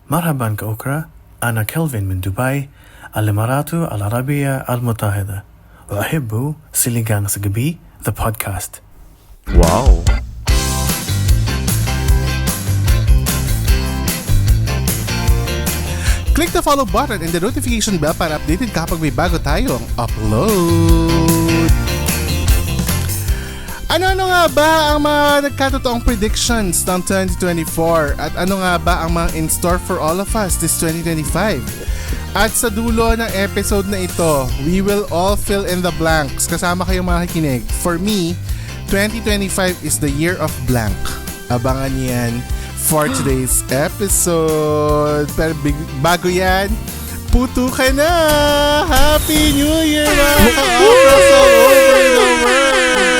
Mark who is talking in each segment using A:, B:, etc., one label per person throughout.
A: مرحبا كأوكرا، أنا كلفين من دبي، الإمارات العربية المتحدة، وأحب سيليغان سقبي The Podcast.
B: Wow!
C: Click the follow button and the notification bell para updated kapag may bago tayong upload. Ano nga ba ang mga nagkatotoong predictions ng 2024? At ano nga ba ang mga in store for all of us this 2025? At sa dulo ng episode na ito, we will all fill in the blanks. Kasama kayong mga kikinig. For me, 2025 is the year of blank. Abangan yan for today's episode. Pero bago yan, puto ka na! Happy New Year mga ka-Okras all over the world!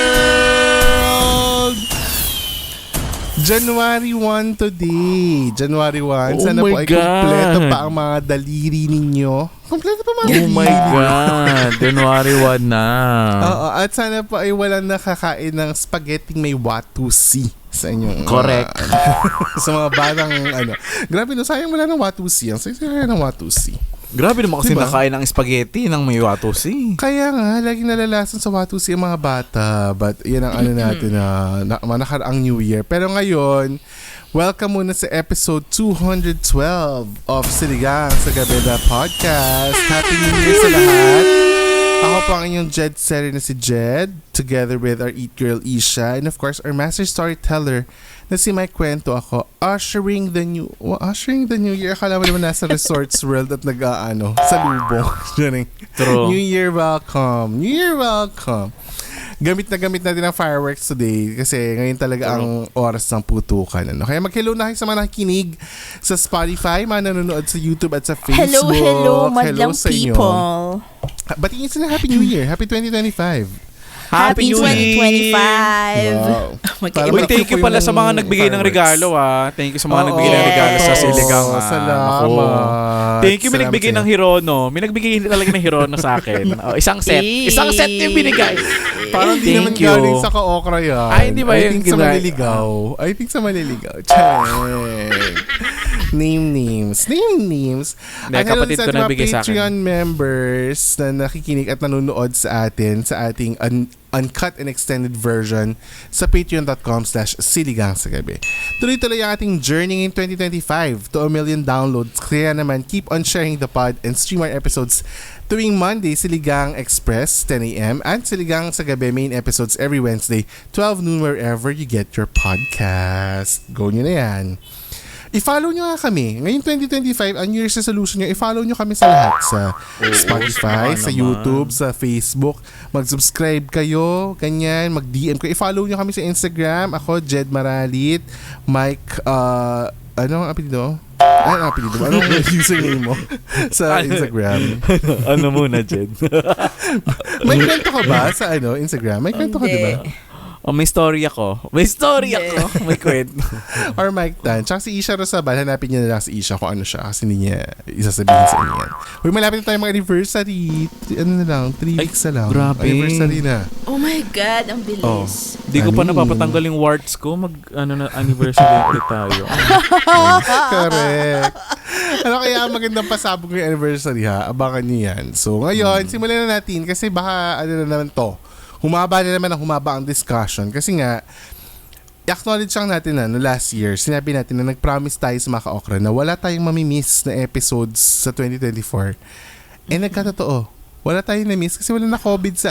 C: January 1 today. January 1. Sana po ay kumpleto pa ang mga daliri ninyo. Kumpleto pa mga daliri.
B: Oh my God. January 1 na.
C: Oo. At sana po ay walang nakakain ng spaghetti may watusi sa inyong...
B: Correct.
C: Sa mga batang Grabe no, sayang wala ng watusi. Ang sayang ng watusi.
B: Grabe naman kasi
C: Diba?
B: nakain ng spaghetti ng may watusi.
C: Kaya nga, laging nalalasan sa watusi ang mga bata. But yan ang natin na nakaraang New Year. Pero ngayon, welcome muna sa episode 212 of Siligang sa Gabi na Podcast. Happy New Year sa lahat. Ako po ang inyong Jed Seri na si Jed, together with our Eat Girl Isha, and of course our master storyteller na si Mike Kwento ako, ushering the new year. Akala mo naman nasa resorts world at sa lubong.
B: True.
C: New Year welcome. New Year welcome. Gamit natin ang fireworks today kasi ngayon talaga ang oras ng putukan. Kaya mag-hello na kayo sa mga nakikinig sa Spotify, mga nanonood sa YouTube at sa Facebook.
D: Hello, madlang
C: sa inyo.
D: people.
C: Batiin sila Happy New Year. Happy 2025.
D: Happy
B: New Year!
D: 2025.
C: Wow.
B: Uy, thank you pala sa mga nagbigay ng regalo Thank you sa mga nagbigay ng regalo sa Siligang.
C: Salamat.
B: Thank you, may nagbigay ng Hirono. May nagbigay talaga ng Hirono sa akin. Isang set. Isang set yung binigay.
C: Parang di naman galing sa ka-okra yan.
B: Ay, hindi ba
C: I
B: yung
C: think sa maliligaw. Check. Name names.
B: Hindi,
C: At
B: kapatid ko
C: hello sa
B: nagbigay sa akin.
C: Patreon members na nakikinig at nanonood sa atin sa ating uncut and extended version sa patreon.com/siligang sa gabi. Tuloy-tuloy ang ating journey in 2025 to 1 million downloads. Kaya naman, keep on sharing the pod and stream our episodes tuwing Monday, Siligang Express, 10 a.m. and Siligang sa Gabi main episodes every Wednesday, 12 noon wherever you get your podcast. Go nyo na yan. I-follow nyo nga kami. Ngayon 2025, ang New Year's resolution nyo, i-follow nyo kami sa lahat. Sa Spotify, sa YouTube, sa Facebook. Mag-subscribe kayo, ganyan. Mag-DM kayo. I-follow nyo kami sa Instagram. Ako, Jed Maralit. Mike, ano ang apelido? Anong username mo sa Instagram?
B: Ano muna, Jed?
C: May kwento ka ba sa Instagram? May kwento ka, di ba?
B: May story ako. May kwento.
C: Or Mike Tan. Tsaka si Isha Rosabal, hanapin niya na lang si Isha kung ano siya kasi hindi niya isasabihin sa inyo yan. Uy, malapit na tayo mga anniversary. 3 weeks na lang.
B: Grabe.
C: Anniversary na.
D: Oh my God, ang bilis.
B: Di ko pa napapatanggal yung warts ko. Anniversary ulit tayo.
C: Correct. Ano kaya magandang pasabog yung anniversary ha? Abangan niyo yan. So ngayon, simulan na natin kasi baka na naman to. Humaba ang discussion kasi nga i-acknowledge lang natin no last year, sinabi natin na nag-promise tayo sa mga ka-okra na wala tayong mamimiss na episodes sa 2024. Nagkatotoo. Wala tayong na-miss kasi wala na COVID sa...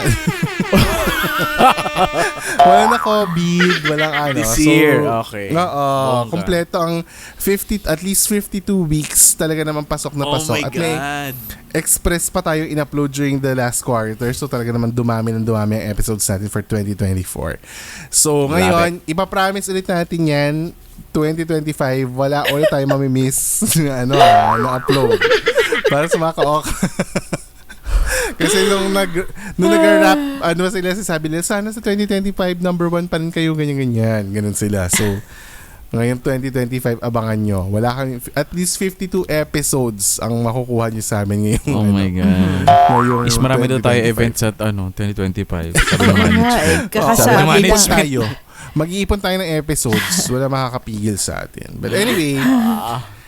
C: wala na COVID, walang
B: This year, okay.
C: Oo, kompleto ang at least 52 weeks talaga naman pasok na pasok.
B: Oh my
C: At may express pa tayo in-upload during the last quarter. So talaga naman dumami ang episodes natin for 2024. So ngayon, ipapromise ulit natin yan, 2025, wala ulit tayo mamimiss na upload. Para sa mga ka-okra. Kasi nung nag-rap, sila sasabi nila, sana sa 2025, number 1 pa rin kayo, ganyan. Ganun sila. So, ngayon 2025, abangan nyo. Wala kang, at least 52 episodes ang makukuha nyo sa amin ngayon.
B: Oh my God. Is marami daw tayo events at 2025. Sabi ng management.
D: Kakasabi lang
C: tayo. Mag-iipon tayo ng episodes. Wala makakapigil sa atin. But anyway,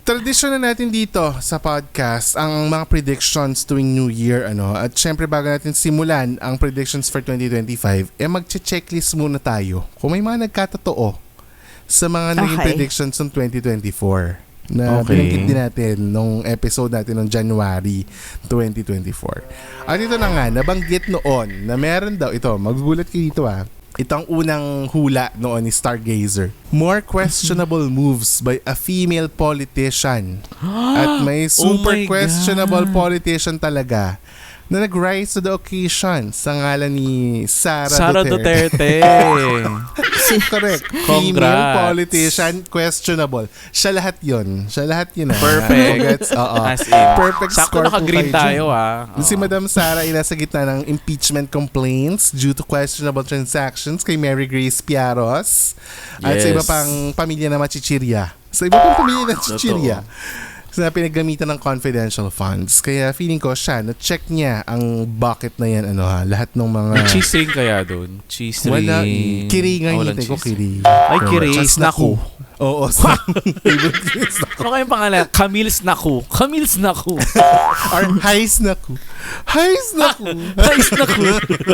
C: Tradisyon na natin dito sa podcast ang mga predictions tuwing New Year. At syempre bago natin simulan ang predictions for 2025, magche-checklist muna tayo kung may mga nagkatotoo sa mga naging
D: Okay.
C: predictions ng 2024 na
B: Okay.
C: binanggit din natin nung episode natin ng January 2024. At ito na nga, nabanggit noon na meron daw, ito, magugulat kayo dito ito ang unang hula noon ni Stargazer. More questionable moves by a female politician. At may super
B: my
C: questionable
B: God.
C: politician talaga na nag-rise to the occasion sa ngalan ni
B: Sara Duterte.
C: Correct.
B: Congrats.
C: Female politician, questionable. Siya lahat yun.
B: Perfect.
C: Congrats. Oo.
B: As in.
C: Perfect
B: Sakto
C: score po
B: naka-green
C: kayo
B: tayo
C: dyan. Si Madam Sara ay nasa gitna ng impeachment complaints due to questionable transactions kay Mary Grace Piaros at sa
B: Yes.
C: iba pang pamilya na machichirya. Sa iba pang pamilya na chichirya. Na pinagamitan ng confidential funds. Kaya feeling ko siya, na-check niya ang bucket na yan, lahat ng mga...
B: May cheese ring kaya doon? Cheese ring.
C: Wala. Kiri nga
B: Walang
C: hinintay ko,
B: cheese ring.
C: kiri.
B: Ay, kiri.
C: Snaku. Oo. Favorite snaku.
B: Ano kayong pangalan? Camille Snaku. Camille Snaku.
C: Or Hi Snaku. Hi Snaku.
B: Ay, Snaku.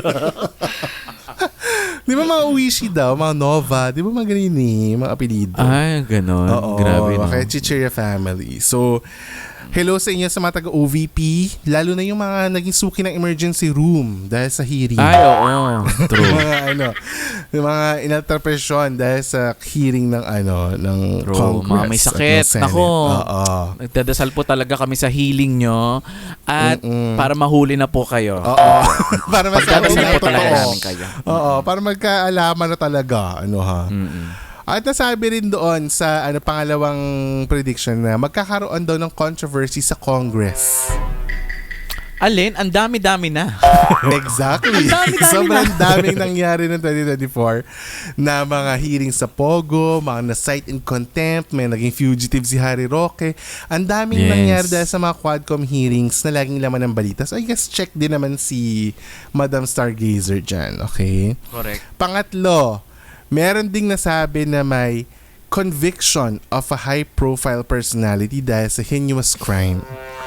C: Di ba mga Uishi daw, mga Nova, di ba mga ganyan mga apelido?
B: Ay, ganon.
C: Oo,
B: Grabe, no?
C: kaya Chichirya family. So, hello sa inyo sa mga taga-OVP, lalo na yung mga naging suki ng emergency room dahil sa hearing.
B: Ay, oo. True.
C: yung mga inalterpresyon dahil sa hearing ng ng
B: True.
C: Congress.
B: Mga may
C: at
B: sakit.
C: ng Senate.
B: Nako.
C: Oo.
B: Nagdadasal po talaga kami sa healing nyo at para mahuli na po kayo.
C: Oo. Para masabi
B: Pagdadasal
C: na
B: po talaga
C: totoo.
B: namin kayo.
C: Oo, para magkaalaman na talaga. At nasabi rin doon sa pangalawang prediction na magkakaroon daw ng controversy sa Congress.
B: Alin? Ang dami-dami na.
C: Exactly.
B: Dami-dami
C: Sobrang daming nangyari ng 2024 na mga hearings sa Pogo, mga na-cite in contempt, may naging fugitive si Harry Roque. Ang daming
B: Yes.
C: nangyari dahil sa mga Quadcom hearings na laging laman ng balita. So I guess check din naman si Madam Stargazer dyan. Okay?
B: Correct.
C: Pangatlo, meron ding nasabi na may conviction of a high-profile personality dahil sa heinous crime.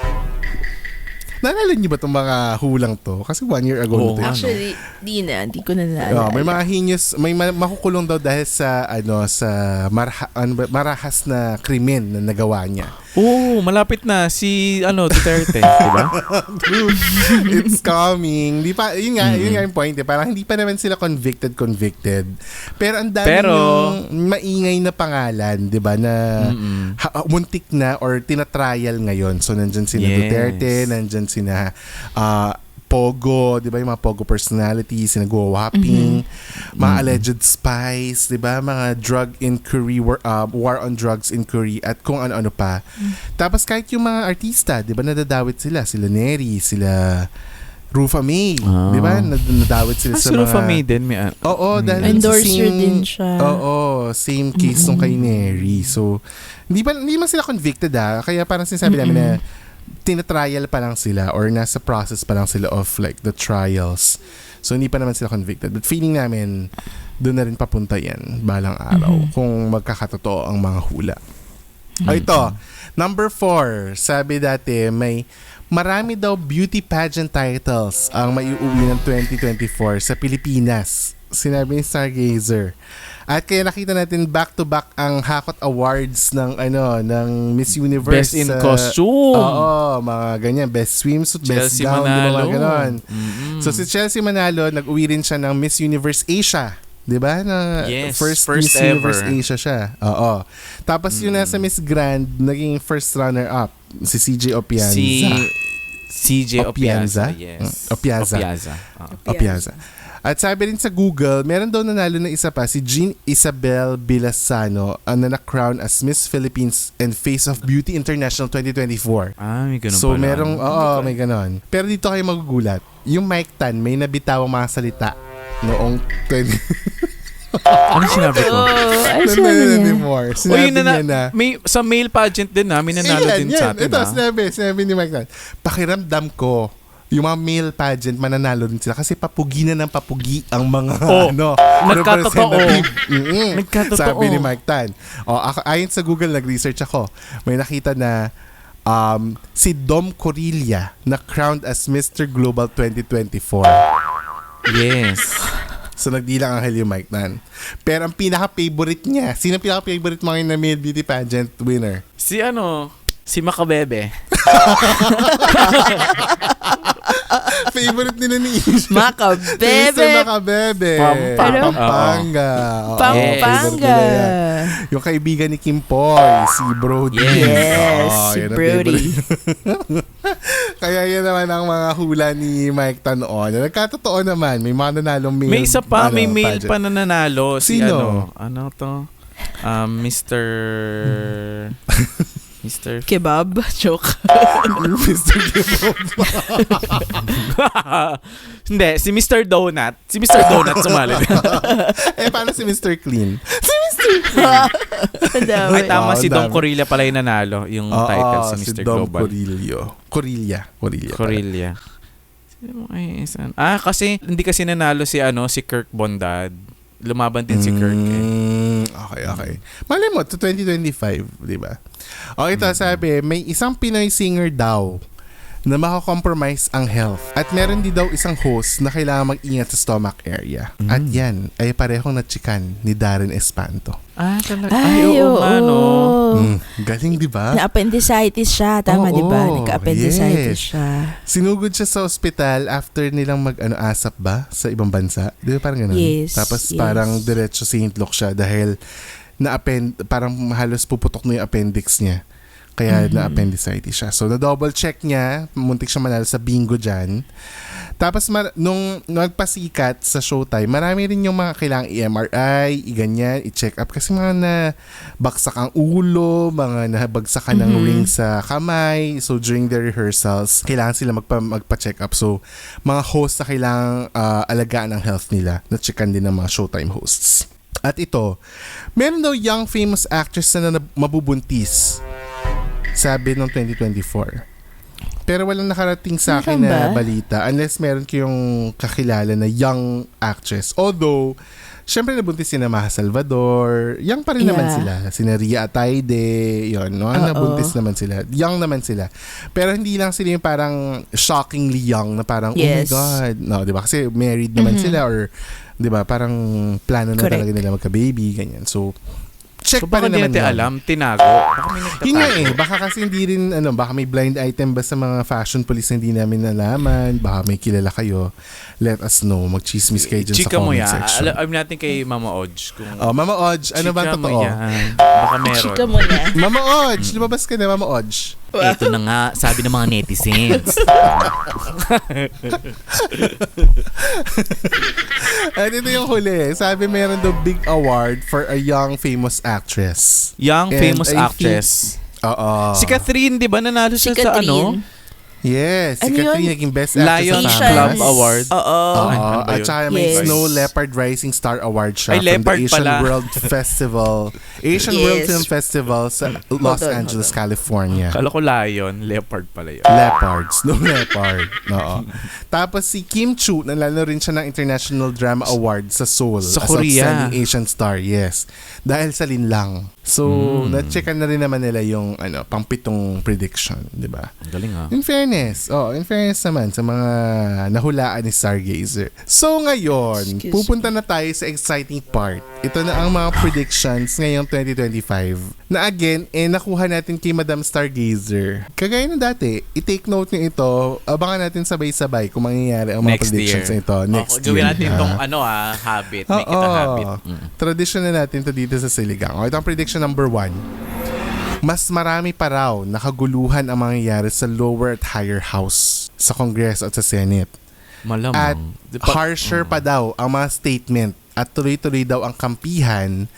C: Naalala niyo ba itong mga hulang to? Kasi 1 year ago
B: Oo,
C: na to.
D: Actually, di ko na naalala.
C: May mga heinous, makukulong daw dahil sa sa marahas na krimen na nagawa niya.
B: Oo, malapit na si Duterte, di ba?
C: It's coming. Yun nga yung point. Parang hindi pa naman sila convicted. Pero ang dami yung maingay na pangalan, di ba, na muntik na or tinatrial ngayon. So, nandyan sila
B: Yes.
C: Duterte, nandyan sina Pogo, di ba, yung mga Pogo personalities, nagwa-whopping, mga alleged spies, di ba, mga drug inquiry, war on drugs inquiry, at kung ano-ano pa. Tapos kahit yung mga artista, di ba, nadadawit sila Neri, sila Rufa May, di ba, nadadawit sila sa
B: Si
C: mga...
B: Rufa May din.
C: Oo, dahil
D: Endorser din siya.
C: Oo, same case nung kay Neri. So, hindi man sila convicted kaya parang sinasabi namin na tinatrial pa lang sila or nasa process pa lang sila of like the trials. So, hindi pa naman sila convicted. But feeling namin, doon na rin papunta yan balang araw kung magkakatotoo ang mga hula. Ito, number 4, sabi dati, marami daw beauty pageant titles ang maiuwi ng 2024 sa Pilipinas. Sinabi ni Stargazer. At kaya nakita natin back-to-back ang Hakot Awards ng Miss Universe.
B: Best in costume.
C: Oo, mga ganyan. Best swimsuit, best
B: Chelsea
C: gown,
B: Manalo.
C: mga ganon. So si Chelsea Manalo, nag-uwi rin siya ng Miss Universe Asia. 'Di ba? Na
B: Yes,
C: first
B: first
C: Miss Universe
B: ever.
C: Asia siya. Oo. Tapos yung nasa Miss Grand, naging first runner-up si CJ Opianza.
B: Si CJ Opianza.
C: Opianza?
B: Yes.
C: Opianza. Opianza. At sabi rin sa Google, meron daw nanalo na isa pa, si Jean Isabel Bilasano, na na-crown as Miss Philippines and Face of Beauty International 2024.
B: May ganun
C: So
B: pala.
C: merong, may ganon. Pero dito kayo magugulat. Yung Mike Tan, may nabitawang mga salita noong 20...
B: Ano sinabi ko?
D: Ay,
C: Ano
D: sabi niya.
C: anymore? Sinabi niya na...
B: May, sa male pageant din may nanalo din sa atin.
C: Ito, sinabi ni Mike Tan, pakiramdam ko, yung mga male pageant, mananalo rin sila kasi papugi na ng papugi ang mga
B: nagkatotoo.
C: representative.
B: Nagkatotoo.
C: Sabi ni Mike Tan. Ayon sa Google, nag-research ako. May nakita na si Dom Corilla na crowned as Mr. Global 2024.
B: Yes.
C: So, nagdilang ang yung Mike Tan. Pero ang pinaka-favorite niya, sino ang pinaka-favorite mga na male beauty pageant winner?
B: Si Makabebe.
C: Favorite nila ni Isha.
D: Makabebe.
C: Mr. Makabebe. Pampanga. Oo, favorite nila yan. Yung kaibigan ni Kim Poy, si Brody.
D: Yes, si
C: yan ang
D: Brody.
C: favorite. Kaya yan naman ang mga hula ni Mike Tan noon. Nagkatotoo naman, may mga nanalong male.
B: May isa pa, may male
C: pageant.
B: pa na nanalo. Si
C: Sino?
B: ano to? Mr.
D: Kebab. Joke.
C: Mr. Kebab.
B: Hindi, si Mr. Donut. Si Mr. Donut sumali.
C: Paano si Mr. Clean?
B: Ay, tama, si Dom
C: dami.
B: Corilla pala yung nanalo. Yung title si Mr.
C: si Dom
B: Global.
C: Corilla.
B: Corilla. Kasi hindi kasi nanalo si Kirk Bondad. Lumaban din si Kirk.
C: Okay. Malay mo, to 2025, di ba? Ito sabi, may isang Pinoy singer daw na makakompromise ang health. At meron din daw isang host na kailangan mag-ingat sa stomach area. At yan ay parehong natsikan ni Darren Espanto.
B: Talaga.
D: Ay, oo.
C: Galing, di ba?
D: Na-appendicitis siya. Tama, di ba? Nagka-appendicitis siya.
C: Sinugod siya sa ospital after nilang asap ba sa ibang bansa. Di ba parang ganun?
D: Yes.
C: Tapos parang diretso St. Luke siya dahil parang halos puputok na yung appendix niya. Kaya na-appendicitis siya. So, na-double check niya. Muntik siya manalo sa bingo dyan. Tapos, nung nagpasikat sa Showtime, marami rin yung mga kailangang i-MRI, i-ganyan, i-check up. Kasi mga nabagsak ang ulo, mga nabagsakan ng ring sa kamay. So, during the rehearsals, kailangan sila magpa-check up. So, mga host na kailangang alagaan ang health nila. Na-checkan din ng mga Showtime hosts. At ito, meron daw young famous actress na mabubuntis. Sabi ng 2024. Pero walang nakarating sa akin na balita unless meron kayong kakilala na young actress. Although, syempre nabuntis si Maha Salvador. Young pa rin naman sila. Sina Ria Ataide. Yun, no? Nabuntis naman sila. Young naman sila. Pero hindi lang sila yung parang shockingly young na parang,
D: Yes.
C: oh my God. No, diba? Kasi married naman sila or, diba, parang plano na talaga nila magka-baby. Ganyan. So, check pa rin
B: baka
C: naman
B: hindi natin
C: yun.
B: alam, tinago. Baka may nagtatago.
C: Yun nga baka kasi hindi rin, baka may blind item ba sa mga fashion police na hindi namin nalaman, baka may kilala kayo, let us know, mag-chismis kayo dyan sa
B: Chika mo
C: comment
B: yan.
C: section.
B: Alam natin kay Mama Odge. Kung
C: Mama Odge, ano ba
B: chika mo
C: totoo?
B: yan. Baka meron.
D: Chika mo na.
C: Mama Odge, lumabas ka na, Mama Odge.
B: Ito na nga, sabi ng mga netizens.
C: At ito yung huli. Sabi meron daw big award for a young famous actress.
B: Young
C: And
B: famous
C: I
B: actress.
C: Oo.
B: Si Catherine, di ba nanalo siya sa ano?
C: Yes, si
D: Ano
C: Catherine
D: yun?
C: naging best actress
B: Lions
C: sa
B: Club
C: Fast.
B: Award.
D: Oo.
B: Ano ba
C: At
B: yun?
C: saka may
D: Yes.
C: Snow Leopard Rising Star Award siya
B: Ay,
C: from
B: leopard
C: the Asian
B: pala.
C: World Festival. Asian
D: Yes.
C: World Film Festival sa Los Angeles, California.
B: Kala ko lion, leopard pala yun.
C: Leopard. Snow Leopard. Oo. Tapos si Kim Chu, nanalo rin siya ng International Drama Award sa Seoul.
B: Sa
C: as
B: Korea.
C: Outstanding Asian Star, yes. Dahil sa linlang. So, na-checkan na rin naman nila yung pang-pitong prediction, di ba?
B: Ang galing ah.
C: In fairness naman sa mga nahulaan ni Stargazer. So ngayon, pupunta na tayo sa exciting part. Ito na ang mga predictions ngayong 2025. Na again, nakuha natin kay Madam Stargazer. Kagaya ng dati, i-take note nyo ito. Abangan natin sabay-sabay kung mangyayari ang mga
B: Next
C: predictions
B: year.
C: na ito next year.
B: Gawin natin itong habit. Make it a habit.
C: Tradition na natin to dito sa Siligang. Ito ang prediction number 1. Mas marami pa raw nakaguluhan ang mangyayari sa lower at higher house sa Congress at sa Senate.
B: Malamang.
C: At harsher pa daw ang mga statement at tuloy-tuloy daw ang kampihan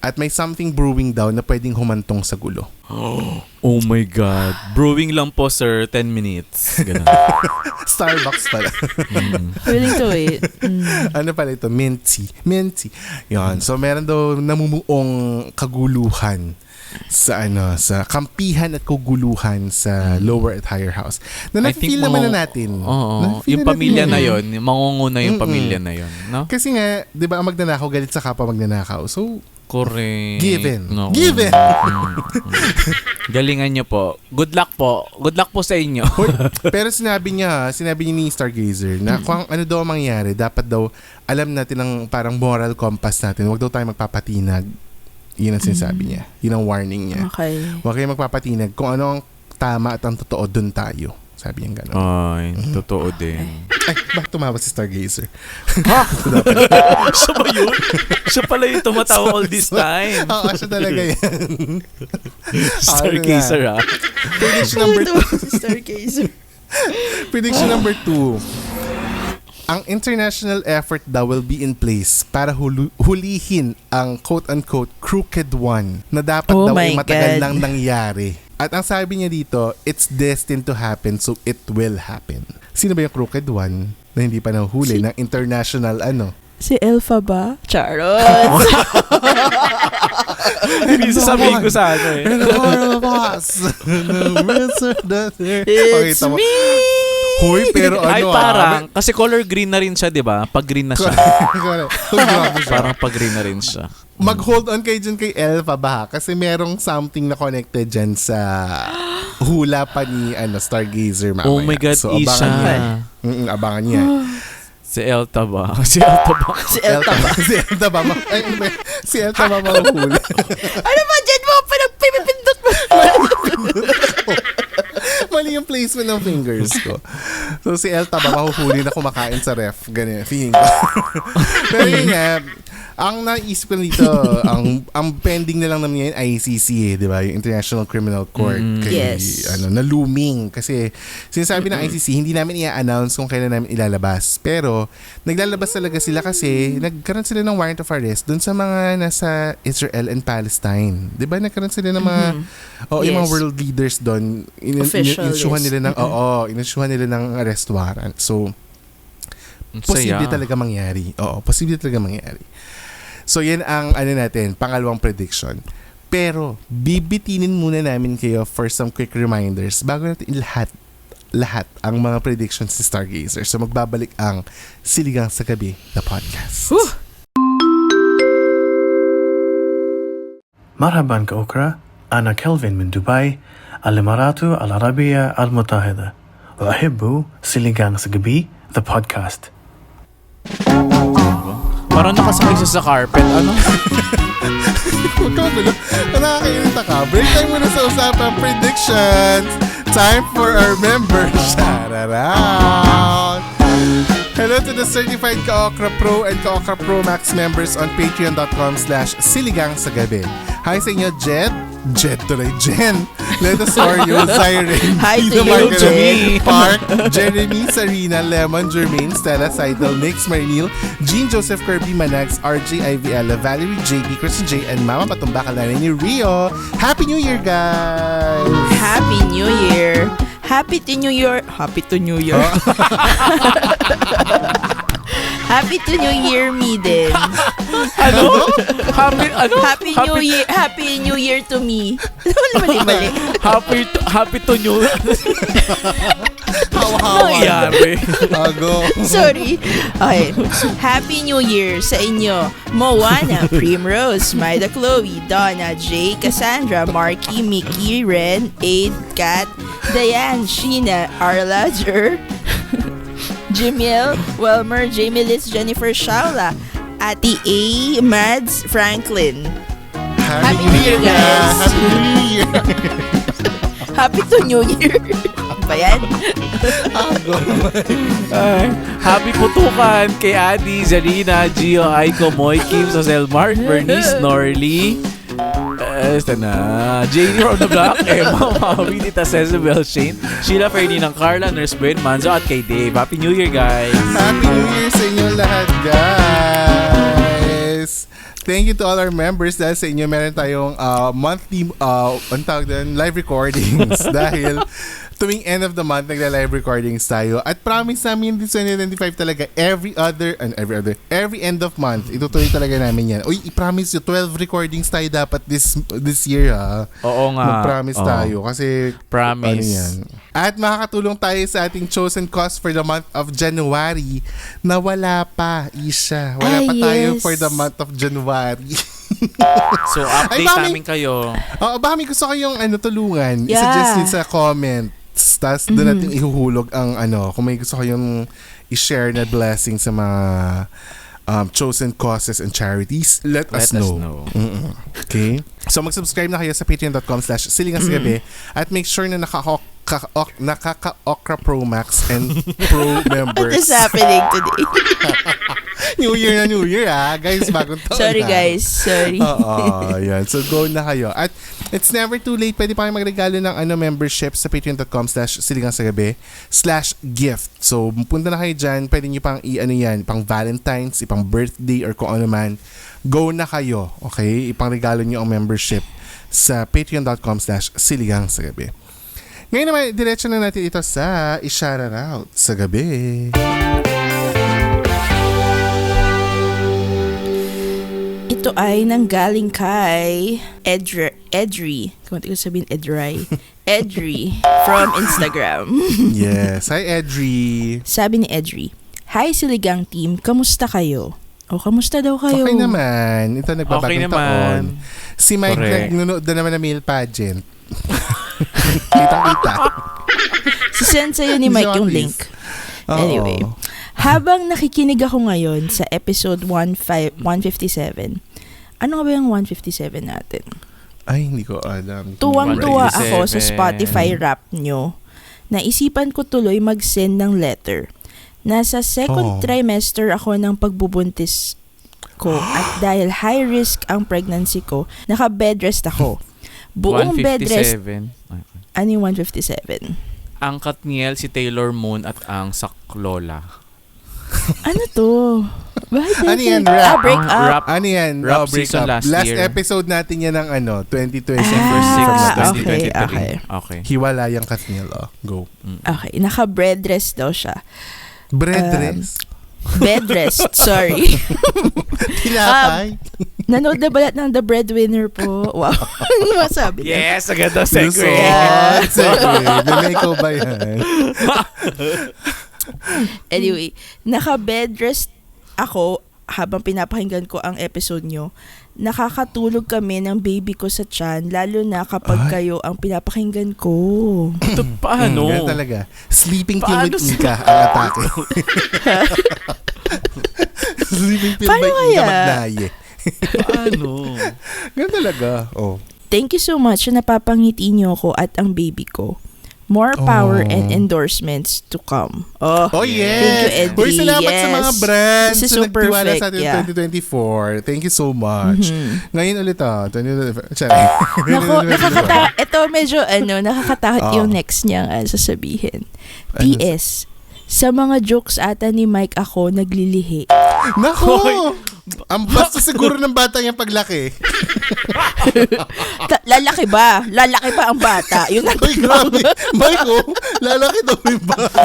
C: At may something brewing daw na pwedeng humantong sa gulo.
B: Oh my God. Brewing lang po, sir. 10 minutes. Ganun.
C: Starbucks pala.
D: Willing to wait.
C: Ano pala ito? Minty. Yan. So, meron daw namumuong kaguluhan sa kampihan at kaguluhan sa lower at higher house. Na nafe-feel naman na natin.
B: Oo. Yung pamilya na yon, mangunguna yung pamilya na yon, no?
C: Kasi nga, 'di ba, ang magnanakaw galit sa kapwa magnanakaw. So,
B: correct.
C: given.
B: No.
C: Given.
B: Galingan niyo po. Good luck po. Good luck po sa inyo.
C: Pero sinabi niya ni Stargazer na kung ano daw ang mangyayari, dapat daw alam natin ang parang moral compass natin. Huwag daw tayo magpapatinag. Yun ang sinasabi niya. Yun ang warning niya.
D: Okay.
C: Huwag kayo magpapatinag. Kung ano ang tama at ang totoo, dun tayo. Sabi niya gano'n.
B: Ay, totoo din.
C: Ay, bakit tumawa si Stargazer?
B: Siya ba yun? Siya pala yung tumatawa all this time.
C: Oo, siya talaga yan.
B: Stargazer, ha?
C: Prediction number 2.
D: Stargazer.
C: Prediction number 2. Ang international effort daw will be in place para hulihin ang quote-unquote crooked one na dapat
D: Oh
C: daw
D: my
C: ay matagal
D: God.
C: nang nangyari. At ang sabi niya dito, it's destined to happen, so it will happen. Sino ba yung crooked one na hindi pa nahuhuli ng international
D: Si Elfa ba? Charot.
B: Hindi sasabihin ko sa ano eh.
D: It's me!
C: Hoy, pero
B: Ay, parang, kasi color green na rin siya, di ba? Pag green na siya. Parang pag green na rin siya.
C: Mag-hold on kayo dyan kay Elfa ba? Kasi merong something na connected dyan sa hula pa ni Stargazer mamaya.
B: Oh my God,
C: so, abangan
B: Isha.
C: niya. Abangan niya.
B: Si Elta ba? Si Elta ba?
D: Si Elta ba?
C: Si Elta ba? Si Elta ba mahuhuli?
D: Ano ba dyan mo? Pinagpipindot mo.
C: Mali yung placement ng fingers ko. So, si Elta ba mahuhuli na kumakain sa ref? Ganyan, feeling ko. Pero yun nga, ang naisip ko dito, ang pending na lang naman yan ICC di ba? Yung International Criminal Court.
D: Yes.
C: Na looming. Kasi, sinasabi ng ICC, hindi namin i-announce kung kailan namin ilalabas. Pero, naglalabas talaga sila kasi nagkaroon sila ng warrant of arrest dun sa mga nasa Israel and Palestine. Di ba? Nagkaroon sila ng mga, yung mga world leaders dun. Inusyuhan nila ng arrest warrant. So, posible talaga mangyari. Oo, posible talaga mangyari. So, yan ang pangalawang prediction. Pero, bibitinin muna namin kayo for some quick reminders bago natin lahat ang mga predictions ni Stargazer. So, magbabalik ang Siligang sa Gabi na podcast.
A: مرحبا كأوكرا، أنا كيلفين من دبي، الإمارات العربية المتحدة، وأحب سيليغان سجبي the podcast.
B: Parang nakasakay siya sa carpet. Ano?
C: Huwag ka magulo. Nakakainita ka. Break time muna sa usapang predictions. Time for our members. Shout out. Hello to the certified Ka-Okra Pro and Ka-Okra Pro Max members on patreon.com/siligang sa gabi. Hi sa inyo, Jen, Letos Oreo, Zyren,
D: Hi to
C: Tino
D: you,
C: Margaret, Park, Jeremy, Sarina, Lemon, Jermaine, Stella, Seidel, Nix, Marinil, Jean Joseph Kirby, Manags, RJ, Ivy Valerie, JB, Chris J, and Mama Patumbaka ni Rio. Happy New Year, guys!
D: Happy New Year. Happy to New Year. Happy to New Year. Happy to New Year, me din.
B: Ano? Happy
D: New Year. Happy New Year to me. Mali.
B: Happy to new.
C: Hawa-hawa.
B: Nangyari.
C: Ago.
D: Sorry. Okay. Happy New Year sa inyo. Moana, Primrose, Maida Chloe, Donna, Jay, Cassandra, Marky, Mickey, Ren, Aid, Kat, Diane, Sheena, Arla, Jer, Jimiel, Welmer, Jamie Liz, Jennifer, Shaula, Ati A, Mads, Franklin. Happy New Year, guys.
C: Happy New Year.
D: Happy to New Year. Ba yan?
B: Happy putukan kay Adi, Zarina, Gio, Aiko, Moy, Kim, Sosel, Mark, Bernice, Norly, Janie from the Block, Emma, Maui, Tita Cezabel, Shane, Sheila, Ferdinand, Carla, Nurse Ben, Manzo, at kay Dave. Happy New Year, guys!
C: Happy New Year sa inyo lahat, guys! Thank you to all our members dahil sa inyo meron tayong monthly live recordings dahil tuwing end of the month nagla-live recordings tayo at promise namin this 2025 talaga every end of month itutuloy talaga namin yan. Uy, i-promise you 12 recordings tayo dapat this year ha.
B: Oo nga.
C: Mag-promise tayo kasi
B: Promise.
C: ano yan. At makakatulong tayo sa ating chosen cause for the month of January na wala pa, Isha. Wala pa tayo
D: yes.
C: for the month of January.
B: So, update namin kayo.
C: Baka may gusto kayong tulungan.
D: Yeah.
C: I-suggest nyo sa comments. Tapos doon natin ihuhulog ang kung may gusto kayong i-share na blessing sa mga chosen causes and charities, let us know. Mm-mm. Okay? So mag-subscribe na kayo sa patreon.com/silingasgabi at make sure na nakaka-Okra Pro Max and Pro members.
D: What is happening today?
C: New Year guys, bagong taon
D: Sorry
C: na.
D: guys, sorry.
C: Oo, yan. So go na kayo. At it's never too late. Pwede pa kayo magregalo ng membership sa patreon.com/siligangsagabi/gift. So punta na kayo dyan. Pwede nyo pang pang Valentine's, ipang birthday or kung ano man. Go na kayo. Okay? Ipang-regalo nyo ang membership sa patreon.com/siligangsagabi. Ngayon naman, diretso na natin ito sa i-shout out sa gabi.
D: Ito ay nanggaling kay Edri. Kung ko sabihin Edri from Instagram.
C: Yes. Hi, Edri.
D: Sabi ni Edri, "Hi Siligang team, kamusta kayo?" O, kamusta daw kayo?
C: Okay naman. Ito nagbabagong
B: Okay naman.
C: taon. Si Mike
B: Correct.
C: nagnunood na naman ng male pageant. Kitang-kita.
D: Sisend sa'yo ni Mike yung link.
C: Oo.
D: Anyway, habang nakikinig ako ngayon sa episode 157, ano nga ba yung 157 natin?
C: Ay, hindi ko alam.
D: Tuwang-tuwa
B: 157.
D: ako sa Spotify rap nyo. Naisipan ko tuloy mag-send ng letter. Nasa second trimester ako ng pagbubuntis ko at dahil high risk ang pregnancy ko, naka-bed rest ako. Buong bed rest.
B: 157.
D: Ano yung 157?
B: Ang Katniel, si Taylor Moon at ang Saklola.
D: Ano to?
C: Ano yan? Rap?
D: Break up.
B: Rap.
C: Ano yan?
B: Rap
C: Break
B: season
C: up.
B: last year.
C: episode natin yan ng 2020.
B: December 6,
D: okay,
B: 2023.
D: okay.
B: Okay.
C: Hiwalayang Katniel. Go.
D: Okay, naka-bed rest daw siya.
C: Bread rest.
D: Bed rest, sorry.
C: Tinapay.
D: Nanood na balat ng The Breadwinner po. Wow. Ano masabi niya?
B: Yes, agad daw segue.
C: Luzon. Segue. Nanay ko ba yan?
D: Anyway, naka-bed rest ako habang pinapakinggan ko ang episode nyo. Nakakatulog kami ng baby ko sa tiyan, lalo na kapag kayo ang pinapakinggan ko.
B: Ito paano?
C: Ganun talaga. Sleeping pill
B: Paano
C: with Ika ang atake. Sleeping pill
D: Paano
C: by Ika
D: kaya?
C: Magnaye.
B: Paano?
C: Ganun talaga. Oh.
D: Thank you so much na napapangiti nyo ako at ang baby ko. More power and endorsements to come.
C: Oh, yes.
D: Thank you, Eddie.
C: Uy, salamat sa mga
D: Yes.
C: brands
D: This is
C: na
D: so
C: nagtiwala
D: perfect,
C: sa atin
D: yeah.
C: 2024. Thank you so much. Ngayon ulit 2024.
D: Nako, ito medyo nakakatakot yung next niyang sasabihin. PS, sa mga jokes ata ni Mike ako naglilihi.
C: Nako! Ang basta siguro ng bata yung paglaki.
D: Lalaki ba? Lalaki ba ang bata? Yun ang
C: Uy, grabe. Michael, lalaki daw yung bata.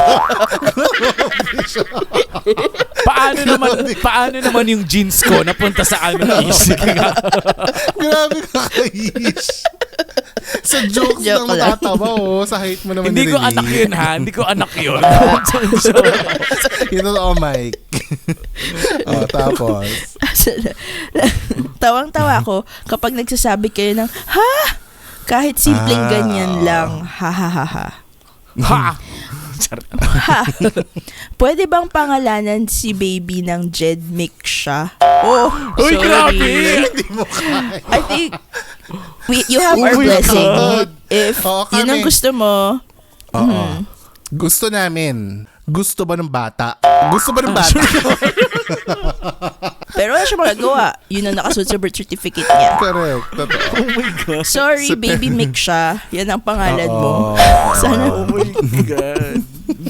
B: Paano naman yung jeans ko napunta sa aming isip?
C: Grabe ka, Kaish. Sa jokes
D: Joke
C: lang
D: lang.
C: matatawa, sa height mo naman
B: Hindi ko
C: narinig.
B: anak yun, ha? Hindi ko anak yun.
C: Yun totoo, Mike. Tapos.
D: Tawang-tawa ako kapag nagsasabi kayo ng, ha? Kahit simpleng ganyan lang. Ha, ha, ha, ha.
B: Ha!
D: Ha? Pwede bang pangalanan si baby ng Jed Miksha? Oh,
B: Uy,
D: sorry.
B: grabe!
C: Hindi mo kaya.
D: I think you have our
C: Oh my
D: blessing.
C: God.
D: If
C: Oo,
D: yun ang
C: kami.
D: gusto mo,
C: Oo. Gusto namin. Gusto ba ng bata? Gusto ba ng bata?
D: pero wala siya magagawa. Yun ang nakasunod sa birth certificate niya.
C: Correct. Totoo.
B: Oh my God.
D: Sorry, baby Miksha. Yan ang pangalan mo.
C: Oo.
D: Sana
B: Oh my God.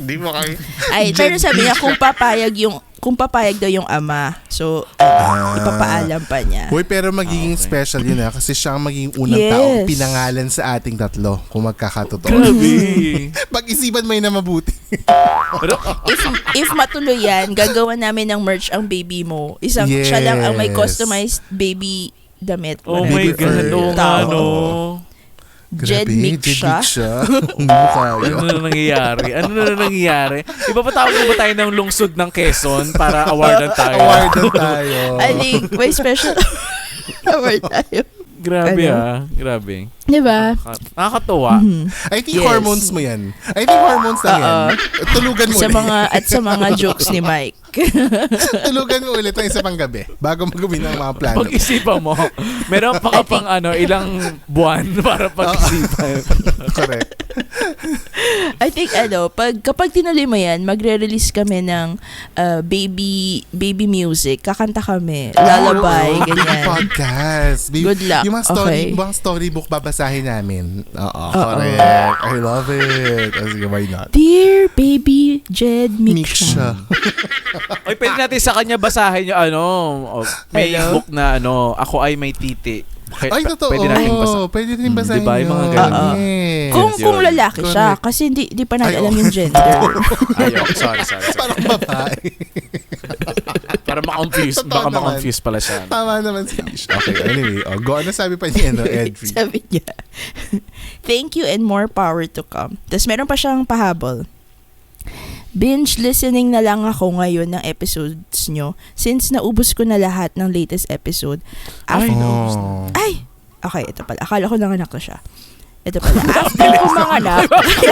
C: Hindi mo kayo.
D: Ay, pero sabi niya kung papayag daw yung ama. So, ipapaalam pa niya.
C: Uy, pero magiging special yun kasi siya ang magiging unang
D: Yes.
C: taong pinangalan sa ating tatlo kung magkakatotoo.
B: Grabe.
C: Pag-isipan mo yun na mabuti.
B: Pero,
D: If matuloy yan, gagawa namin ng merch ang baby mo. Siya lang ang may customized baby damit.
B: oh
C: Baby
B: my God,
C: Earth.
B: oo nga, no.
D: Jed Miksha.
C: Hindi mo kaya.
B: Ano na nangyayari? Ipapatawag mo ba tayo ng lungsod ng Quezon para awardan tayo?
C: Awardan tayo.
D: I think may special award tayo.
B: Grabe
D: Ano?
B: grabe.
D: Diba?
B: Nakakatuwa.
C: I think
D: Yes.
C: hormones mo yan. I think hormones lang yan. Tulugan mo
D: Sa
C: ulit.
D: sa mga jokes ni Mike.
C: Tulugan mo ulit ng isa pang gabi bago mag-uwi ng mga plano.
B: Pag-isipan mo, meron pa ka pang ilang buwan para pag-isipan.
C: Correct.
D: I think kapag tinuloy mo yan, magre-release kami ng baby music. Kakanta kami. Lullaby,
C: Baby
D: ganyan.
C: podcast.
D: Good luck.
C: Yung mga
D: Okay.
C: storybook babasahin namin. Oo, correct. I love it. Sige, why not?
D: Dear baby Jed
C: Miksha.
D: Miksha.
B: Oy, pwede natin sa kanya basahin yung may
D: Hello?
B: book na Ako Ay May Titi.
C: Ay, totoo.
B: Pwede natin basahin.
C: Pwede rin basahin
B: Diba, yung mga
C: yun.
B: ganun.
C: Yes.
D: Kung
B: yun.
D: lalaki siya,
C: Correct.
D: kasi di pa natin
C: Ay,
D: alam yung gender.
B: Ayok, sorry.
C: Parang babae.
B: Para ma-confuse.
C: Totoo
B: Baka
C: naman.
B: ma-confuse pala siya.
C: Tama naman si Ish. Okay, anyway. Go on na sabi pa niya, Edri.
D: Sabi niya, thank you and more power to come. Tapos meron pa siyang pahabol. Binge listening na lang ako ngayon ng episodes nyo since naubos ko na lahat ng latest episode.
B: Ay, naubos na.
C: Oh.
D: Ay! Okay, ito pala. Akala ko nanganak na siya. Ito pala. After ko manganak.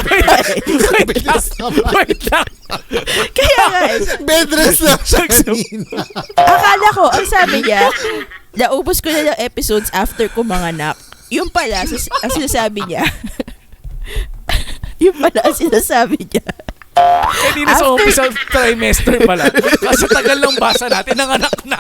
B: Wait lang.
D: Kaya nga,
C: Bedrest lang siya kanina.
D: akala ko, ang sabi niya, naubos ko na ng episodes after ko manganak. Yung pala, ang sinasabi niya, yung pala ang sinasabi niya,
B: Kanina sa umpisa trimester pala. Kasi tagal lang basa natin ng anak na.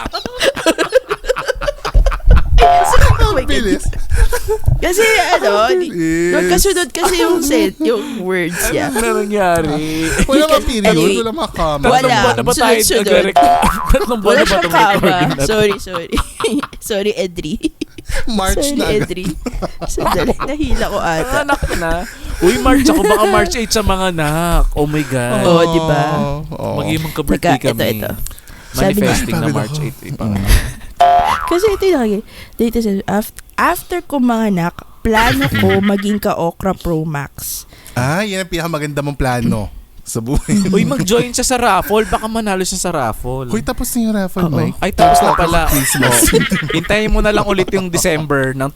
C: Ang bilis.
D: kasi
C: Bilis.
D: magkasunod kasi yung words niya.
B: Ano na nangyari?
C: Wala mga period,
D: Anyway,
C: wala mga comma.
D: Wala.
B: Tatlong buwan na ba tayo
D: Sunod-sunod.
B: Tatlong buwan
D: Wala
B: na ba
D: siyang
B: itong
D: kama.
B: recording na to?
D: Sorry. Sorry, Edri.
C: March
D: Sorry,
C: na agad.
D: Edri. Sandali, nahila ko ata.
B: Anak na. Uy, March ako. Baka March 8 sa mga anak. Oh my God.
D: Oo, di ba?
C: Oo.
B: Magiging magka-birthday kami.
D: Ito. Sabi niya,
B: Manifesting na
C: Ay,
B: March
C: pagod
B: 8. Ipa.
D: kasi ito yung lagi. Dito sa, after ko manganak, plano ko maging ka-Okra Pro Max.
C: Yan ang pinakamaganda mong plano sa buhay.
B: Uy, mag-join siya sa raffle. Baka manalo siya sa raffle.
C: Hoy, tapos na yung raffle,
D: Oo.
C: Mike.
B: Ay, tapos na pala.
C: Christmas.
B: Hintayin mo na lang ulit yung December ng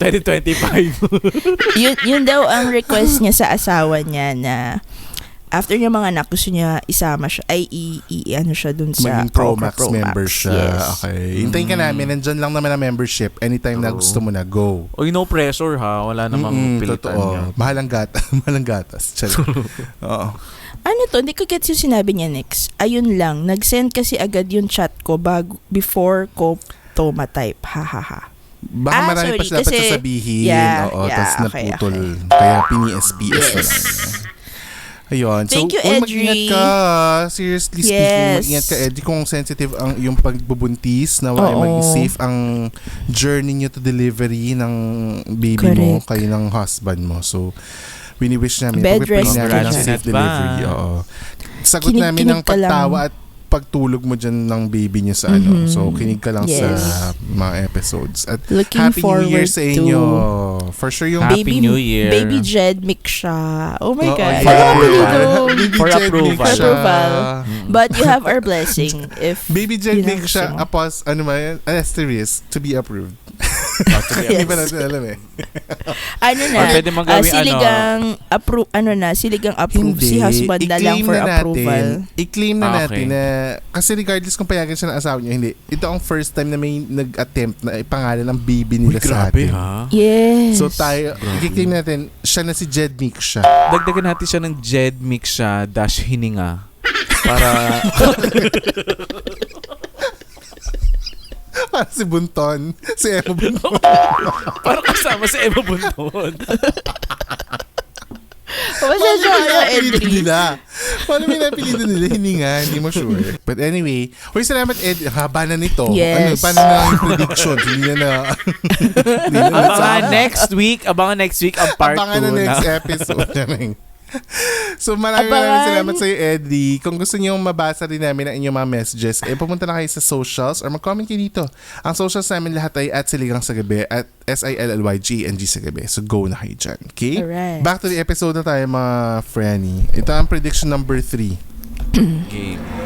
B: 2025.
D: Yun daw ang request niya sa asawa niya na after niya mga anak, gusto niya isama siya, ay ano siya dun sa
C: Maging Pro
D: Okra
C: Max member siya.
D: Yes.
C: Okay. Hintayin ka namin. Nandyan lang naman ang membership. Anytime na
B: Oo.
C: gusto mo na, go.
B: Uy, no pressure ha. Wala namang pilitan niya.
C: Totoo. Mahalang gatas. Oo.
D: Ano to? Hindi ko gets yung sinabi niya next. Ayun lang. Nag-send kasi agad yung chat ko before ko toma type. Ha ha ha.
C: Baka marami pa
D: sorry,
C: siya dapat
D: kasi-
C: sasabihin.
D: Yeah,
C: Oo,
D: yeah,
C: tapos
D: okay,
C: naputol.
D: okay.
C: Kaya pini-SPS na
D: Yes.
C: lang. Ayun.
D: Thank you,
C: mag-ingat
D: Edri.
C: ka. Seriously speaking,
D: Yes.
C: mag-ingat ka, Edri, kung sensitive ang yung pagbubuntis, na
D: Oo.
C: maging safe ang journey nyo to delivery ng baby mo,
D: Correct.
C: kayo ng husband mo. So, wini-wish namin,
D: Bed
C: pag-pray
D: rest
C: namin ng
B: ka
C: safe
B: dyan.
C: delivery. Oo. Sagot namin ng
D: Kinig ka lang.
C: pagtawa at pagtulog mo dyan ng baby nyo sa ano.
D: Mhm.
C: So, kinig ka lang
D: Yes.
C: sa mga episodes. At
D: Looking
C: Happy New
D: forward
C: Year sa inyo.
D: to
C: For sure yung
B: Happy New Year.
D: Baby Jed Miksha. Oh my
C: Oo,
D: God.
C: yeah.
D: Ano ang apelido?
C: Baby
B: For
C: Jed
B: approval.
C: Nick siya.
D: Approval. But you have our blessing if
C: Baby Jed
D: yun ang
C: Nick
D: gusto
C: siya,
D: mo.
C: ano ba yan? Asterisk, to be approved.
D: Yes.
C: Hindi pa natin alam eh.
D: ano na,
B: Or pwede mong gawing
D: siligang approve si husband na lang for approval.
C: I-claim na
B: Ah,
C: natin
B: okay.
C: na, kasi regardless kung payagan siya ng asawa niya, hindi. Ito ang first time na may nag-attempt na ipangalan ng baby
B: Uy,
C: nila sa
B: grabe
C: atin.
B: ha.
D: Yes.
C: So tayo, i-claim natin, siya na si Jed Nick siya.
B: Dagdagan natin siya ng Jed Miksha dash hininga. Para
C: Para si Bunton. Si Emma Bunton.
B: para kasama si Emma Bunton.
D: Pasensya ka na,
C: Pinapilitan
D: Edri.
C: nila. Paano pinapilitan nila? Hindi nga, hindi mo sure. But anyway, salamat Ed. Haba na nito.
D: Yes.
C: Paano na yung prediction? Hindi na hindi na
B: Abangan next week ang part 2
C: Abangan na next episode. So maraming salamat sa iyo, Eddie. Kung gusto niyo mabasa rin namin ang inyong mga messages, pumunta na kayo sa socials or mag-comment kayo dito. Ang socials namin lahat ay @Siligang sa Gabi, at SILLYGNG sa Gabi. So go na kayo dyan. Okay?
D: Alright.
C: Back to the episode na tayo, mga Franny. Ito ang prediction number 3.
B: Game.